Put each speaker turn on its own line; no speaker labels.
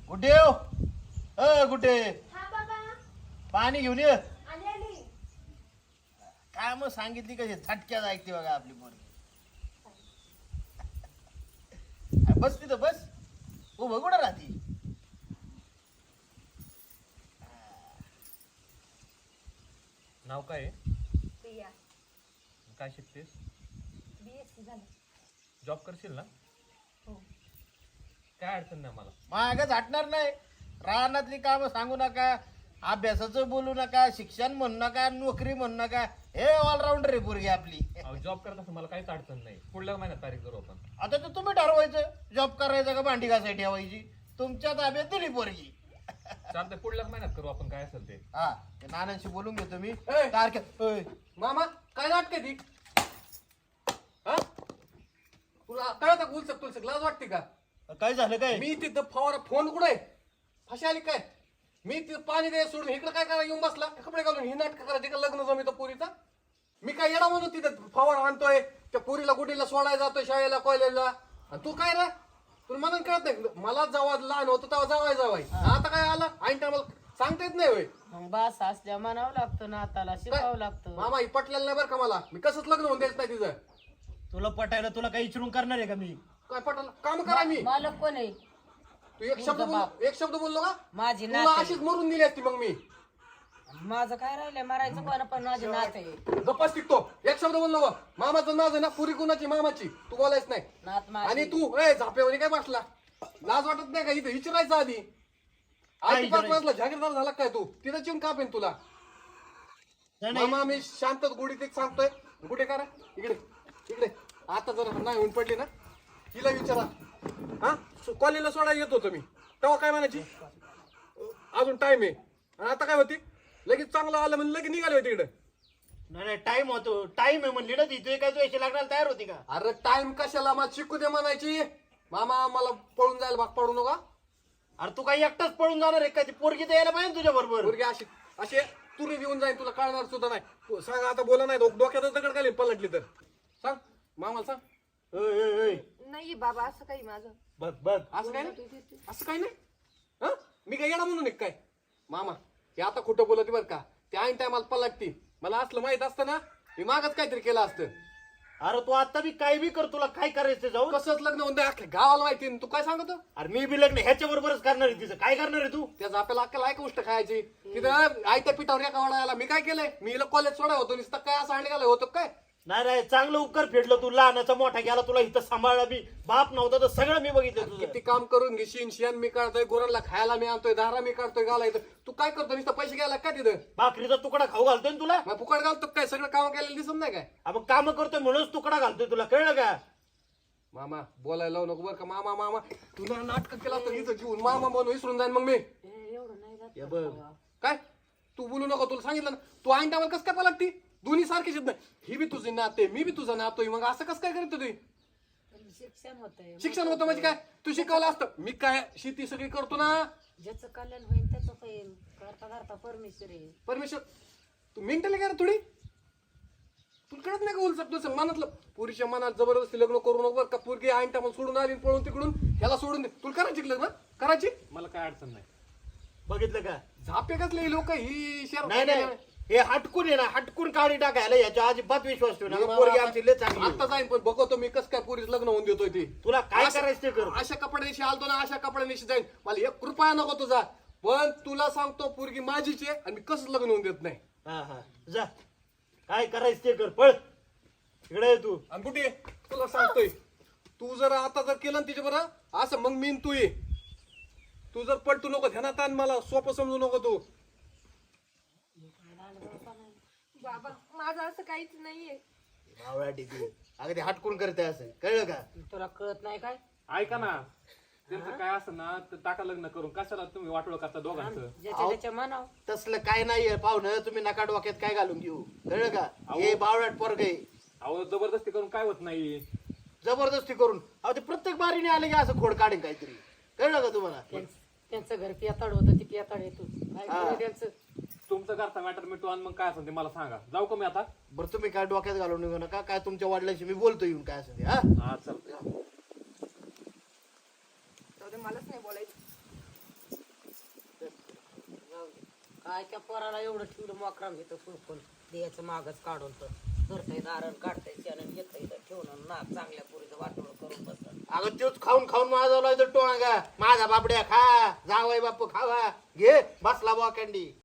कुठे हो कुठे
हा बाबा
पाणी घेऊन ये
आली.
काय मग सांगितली कशी झटक्यात ऐकते बघा आपली पोरगी बस तिथं बस उभं कुठं राहती
नाव काय आहे?
प्रिया
काय शिकतेस?
BSc झालं.
जॉब करशील ना?
हो.
काय अडचण नाही मला.
माग झाटणार नाही रानातली कामं सांगू नका अभ्यासाचं बोलू नका शिक्षण म्हणू नका नोकरी म्हणू नका हे ऑलराऊंडर आहे पोरगी आपली
जॉब करत असं मला काहीच अडचण नाही. पुढल्या महिन्यात तारीख करू आपण.
आता तर तुम्ही ठरवायचं जॉब करायचा का भांडी घासायला ठेवायची तुमच्या ताब्यात दिली पोरगी
चालतंय, पुढल्या महिन्यात करू आपण काय असेल ते.
हा ते नानांशी बोलून घेतो मी
ए!
तारखेत ओय,
मामा काय नाटक ती हा तुला कळत उलसक तुलसक लाज वाटते का?
काय झालं काय
मी तिथं फवारा फोन कुठे फशी आली काय? मी तिथं पाणी द्यायला सोडून इकडे काय करा येऊन बसला कपडे घालून ही नाटक करायची का लग्न जमितो पोरीचा? मी काय येडा म्हणून तिथं फवारा आणतोय त्या पोरीला गुडीला सोडायला जातोय शाळेला कॉलेजला आणि तू काय रे तुला म्हणून कळत नाही मला जेव्हा लहान होतं तेव्हा जावाय आता काय आलं ऐन टायमाला सांगता येत नाही होय
मग बास असल्या म्हणावं लागतं ना हाताला शिकावं लागतं.
मामा ही पटलेलं नाही बरं का मला मी कसंच लग्न होऊन द्यायचं नाही तिचं
तुला पटायला तुला काही विचारून करणार आहे का मी
काय पटल काम करा मी
मालक कोण आहे?
तू एक शब्द बोललो का
माझी
तुला
नात
अशीच मरून दिली असती मग मी
माझं काय राहिलंय मारायचं कोण पण माझी नात आहे.
गप्पाच टिकतो एक शब्द बोललो का मामाचं नाव आहे ना पुरी कुणाची मामाची तू बोलायच नाही
नात माझी.
आणि तू ए झापेवरी काय बसला लाज वाटत नाही का इथं विचारायचं आधी आधी पाच वाजला जागीरदार झाला काय तू तिथं चिवून कापेन तुला मामा मी शांत गुढीत एक सांगतोय गुढे करा इकडे इकडे आता जर नाही होऊन पडली ना तिला विचारा हा कॉलेजला सोडायला येत होतो मी तेव्हा काय म्हणायची अजून टाइम आहे आणि आता काय होती लगेच चांगलं आलं म्हणजे लगेच निघाले होते इकडे
नाही टाइम होतो टाइम आहे म्हणली ना तिथे काय तू याची लागणार तयार होती का
अरे टाइम कशाला मला शिकू दे म्हणायची मामा मला पळून जायला भाग पडू नका
अरे तू काही एकटाच पळून जाणार आहे का ती पोरगी तर यायला पाहिजे तुझ्या बरोबर
पोरगी अशी असे तुरी येऊन जाईल तुला कळणार सुद्धा नाही तू सांग आता बोला नाही डोक्यातच दगड घालीन पलटली तर सांग मामाला सांग
नाही बाबा असं काही माझं.
बघ बघ
असं काय नाही असं काय नाही हा मी काय येणार म्हणून एक काय मामा हे आता खोटं बोलत बरं का ते ऐन टायमाला पलटती मला असलं माहित असतं ना मी मागच काहीतरी केलं असतं
अरे तू आता बी काय बी कर तुला काय करायचं जाऊ
कसंच लग्न होऊन द्या अख्ख्या गावाला माहिती तू काय सांगतो
अरे मी बी लग्न ह्याच्या बरोबरच करणार आहे तिचं काय करणार आहे तू
त्याचा आपल्याला अक्कल आहे का गोष्ट खायची तिथं आयत्या पिठावर एका वाडायला मी काय केलंय मी हिला कॉलेज सोडा होतो नुसतं काय असं आणलं होतं काय
नाही नाही चांगलं उपकार फेडलं तू लहानाचा मोठा गेला तुला इथं सांभाळला मी बाप नव्हता तर सगळं मी बघितलं तुझं
किती काम करून घेशील शेण मी काढतोय गोरांना खायला मी आणतोय दारा मी काढतोय घालायचं तू काय करतो नुसतं पैसे घ्यायला का तिथं
भाकरीचा तुकडा खाऊ घालतोय ना तुला
मग फुकट घालतो काय सगळं काम केलेलं दिसत नाही काय
आपण काम करतोय म्हणूनच तुकडा घालतोय तुला कळलं का
मामा बोलायला लावू नको बरं का मामा मामा तुला नाटक केला तर इथं जीवन मामा म्हणून विसरून जाईन मग मी
एवढं नाही जात.
हे बघ
काय तू बोलू नको तुला सांगितलं ना तू ऐन टायमाला कसं काय पलटती दोन्ही सारखीच नाही ही बी तुझी नाते मी बी तुझा नातोय मग असं कसं काय करत तुम्ही
शिक्षण होतंय.
शिक्षण होतं म्हणजे काय तू शिकवलं असतं मी काय शेती सगळी करतो ना
ज्याचं कल्याण होईल त्याचं होईल करता करता परमेश्वर आहे.
परमेश्वर तू मेंटली काय रे थोडी तुला कळत नाही का उलसक तुझं मनातलं पुरीच्या मनात जबरदस्ती लग्न करू नको बरं का पोरगी ऐन टायमाला सोडून आली पळून तिकडून ह्याला सोडून दे तुला करायची लग्न करायची
मला काय अडचण नाही.
बघितलं का
झापे कसले लोक ही शहर
नाही नाही हे हटकून आहे ना हटकून काढी टाकायला याच्या अजिबात विश्वास ठेवू नका पोरगी आमची लय चांगली आहे.
आता जाईन पण बघतो मी कसं काय पुरीच लग्न होऊन देतोय ती
तुला काय करायचं ते कर
अशा कपड्याशी आलतो ना अशा कपड्याशी जाईन मला 1 रुपया नको तुझा पण तुला सांगतो पोरगी माझीच आहे आणि मी कसं लग्न होऊन देत नाही
हा हा जा काय करायचं ते कर पळ इकडे ये तू
आणि कुठे तुला सांगतोय तू जर आता जर केलं ना तिच्या बरं असं मग मी न तू ये तू जर पलटू नको ध्यानात आण मला सोपं समजू नको तू
बाबा माझं असं काहीच नाहीये.
भावळा टिकली अगं ते हटकून करते असं कळलं का
तुला कळत नाही काय
ऐका ना, त्यांचं काय असं ना तर टाका लग्न करून कशाला तुम्ही वाटोळ करता दोघांचं.
ज्याच्या त्याच्या म्हणावं.
तसलं काय नाहीये पाहुणं तुम्ही नका डोक्यात काय घालून घेऊ कळलं का हे बावळाट पोरग आहे
अहो जबरदस्ती करून काय होत नाही.
जबरदस्ती करून अहो ते प्रत्येक बारीने आले की असं खोड काढेल काहीतरी कळलं का तुम्हाला
त्यांचं घर पियाताड होतं ती पियाताड येतो काय
हा.
करू त्यांचं.
तुमचं करता मॅटर मिटू आणि मग काय असेल ते मला सांगा. जाऊ का मी आता?
बरं तुम्ही काय डोक्यात घालून निघू नका काय तुमच्या वडिलांशी मी बोलतो येऊन काय असं ते हा
हा चालतंय.
जाऊ दे, मलाच नाही बोलायचं.
काय त्या पोराला एवढं ठेवलं मोकराम घेतं सुरपून द्यायचं मागच काढून तर धरतंय दारण काढतंय शेण घेतंय इथं ठेवून ना चांगल्या पुरीचं वाटोळ करून बसत.
अगं तोच खाऊन खाऊन माझा लावतो टोळा माझा बापड्या खा जावय बापू खावा घे बसला बॉकंडी.